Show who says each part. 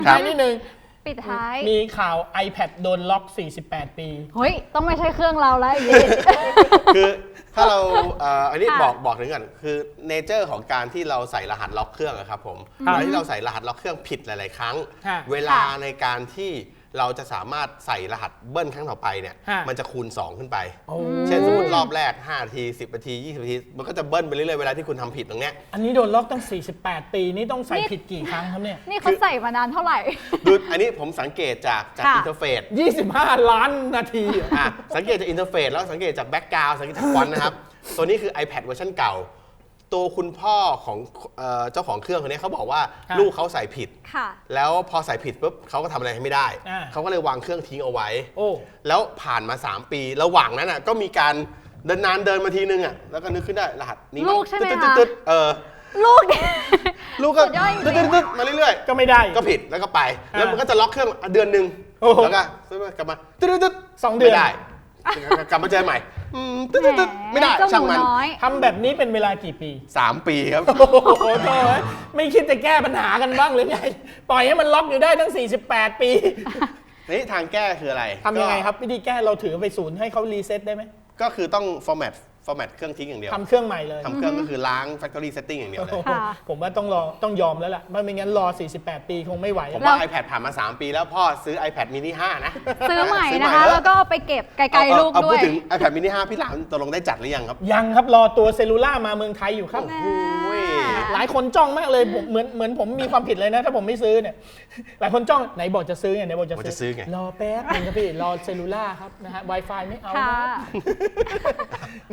Speaker 1: ท้ายนิดนึง
Speaker 2: ปิดท้าย
Speaker 1: มีข่าว iPad โดนล็อก 48 ปี
Speaker 2: เฮ้ยต้องไม่ใช่เครื่องเราแล้วอย่างนี้
Speaker 3: คือถ้าเราอันนี้
Speaker 2: ค่ะ
Speaker 3: บอกถึงกันคือเนเจอร์ของการที่เราใส่รหัสล็อกเครื่องอะครับผม
Speaker 1: ครับ
Speaker 3: เวลาที่เราใส่รหัสล็อกเครื่องผิดหลาย ๆ ครั้ง
Speaker 1: ค่ะ
Speaker 3: เวลาในการที่เราจะสามารถใส่รหัสเบิ้ลครั้งต่อไปเนี่ย
Speaker 1: ค่ะ
Speaker 3: มันจะคูณ 2 ขึ้นไป
Speaker 1: โอ้
Speaker 3: เช่นสมมติรอบแรก5นาที10นาที20นาทีมันก็จะเบิ้ลไปเรื่อย ๆ เวลาที่คุณทำผิดตรงเนี้ย
Speaker 1: อันนี้โดนล็อกตั้ง 48 ปี นี่ต้องใส่ผิดกี่ครั้งครับเนี่ย
Speaker 2: นี่เขาใส่มานานเท่าไหร่
Speaker 3: ดูอันนี้ผมสังเกตจาก
Speaker 2: ค่ะ
Speaker 3: อินเทอร์เฟซ
Speaker 1: 25 ล้านนาทีเหรอ
Speaker 3: สังเกตจากอินเทอร์เฟซแล้วสังเกตจากแบ็กกราวด์สังเกตจากฟอนต์นะครับ ตัวนี้คือ iPad เวอร์ชันเก่า ตัวคุณพ่อของเจ้าของเครื่องคนนี้เขาบอกว่า
Speaker 1: ครับ
Speaker 3: ลูกเขาใส่ผิด
Speaker 2: ค่ะ
Speaker 3: แล้วพอใส่ผิดปุ๊บเขาก็ทำอะไรให้ไม่ได้
Speaker 1: อ่า
Speaker 3: เขาก็เลยวางเครื่องทิ้งเอาไว้
Speaker 1: โอ้
Speaker 3: แล้วผ่านมา 3 ปี ระหว่างนั้นก็มีการเดินมาทีนึงแล้วก็นึกขึ้นได้รหัสนี้
Speaker 2: ลูกใช่ไหมคะ
Speaker 3: ตึ๊ด
Speaker 2: ลูก
Speaker 3: ลูกก็
Speaker 2: สุดยอดจริงๆ
Speaker 3: ตึ๊ดมาเรื่อย
Speaker 1: ก็ไม่ได้
Speaker 3: ๆ ก็ผิดแล้วก็ไป แล้วมันก็จะล็อกเครื่องเดือนหนึ่ง
Speaker 1: โอ้โห
Speaker 3: แล้วก็กลับมาตึ๊ด
Speaker 1: 2 เดือน
Speaker 3: ไม่ได้ กลับมาเจอใหม่ตึ๊ดไม่ได้
Speaker 2: เจ้าห
Speaker 3: ช่าง
Speaker 2: มู
Speaker 3: มัน
Speaker 2: น้อย
Speaker 1: ทำแบบนี้เป็นเวลากี่ปี
Speaker 3: 3 ปีครับ
Speaker 1: โอ้โหโถ่เอ้ยไม่คิดจะแก้ปัญหากันบ้างหรือไง ปล่อยให้มันล็อกอยู่ได้ทั้ง 48 ปี
Speaker 3: นี่ทางแก้คืออะไร
Speaker 1: ทำยังไงครับ วิธีแก้เราถือไปศูนย์ให้เขารีเซ็ตได้ไหม
Speaker 3: ก็คือต้องฟอร์แมตเครื่องทิ้งอย่างเดียว
Speaker 1: ทำเครื่องใหม่เลย
Speaker 3: ทำเครื่องก็คือล้าง factory setting อย่างเดียวเลย
Speaker 1: โอ้โห
Speaker 2: ค่ะ
Speaker 1: ผมว่าต้องยอมแล้วล่ะไม่งั้นรอ 48 ปีคงไม่ไหว
Speaker 3: ผมว่า iPad ผ่านมา 3 ปีแล้วพ่อซื้อ iPad mini 5 นะ
Speaker 2: ซื้อใหม่
Speaker 3: ซื้
Speaker 2: นะคะ
Speaker 3: เถอ
Speaker 2: แล้วก็เอาไปเก็บไกลๆลูก
Speaker 3: เอา
Speaker 2: ด้
Speaker 3: พู
Speaker 2: ว
Speaker 3: ด
Speaker 2: ย
Speaker 3: ถึง iPad mini 5 พี่หลามตกลงได้จัดหรือยังครับ
Speaker 1: ยังครับรอตัวเซลลูล่ามาเมืองไทยอยู่ครับ
Speaker 2: แม่
Speaker 3: โอ้ย
Speaker 1: หลายคนจ้องมากเลยผมเหมือนผมมีความผิดเลยนะ ถ้าผมไม่ซื้อเนี่ย หลายคนจ้องไหนบอกจะซื้อไงไหนบอกจะ
Speaker 3: บอกจะซื้อไง
Speaker 1: รอแป๊บนึงครับพี่รอเซลลูล่าครับนะฮะ Wi-Fi ไม่เอา
Speaker 2: ค่ะ
Speaker 1: นะครับ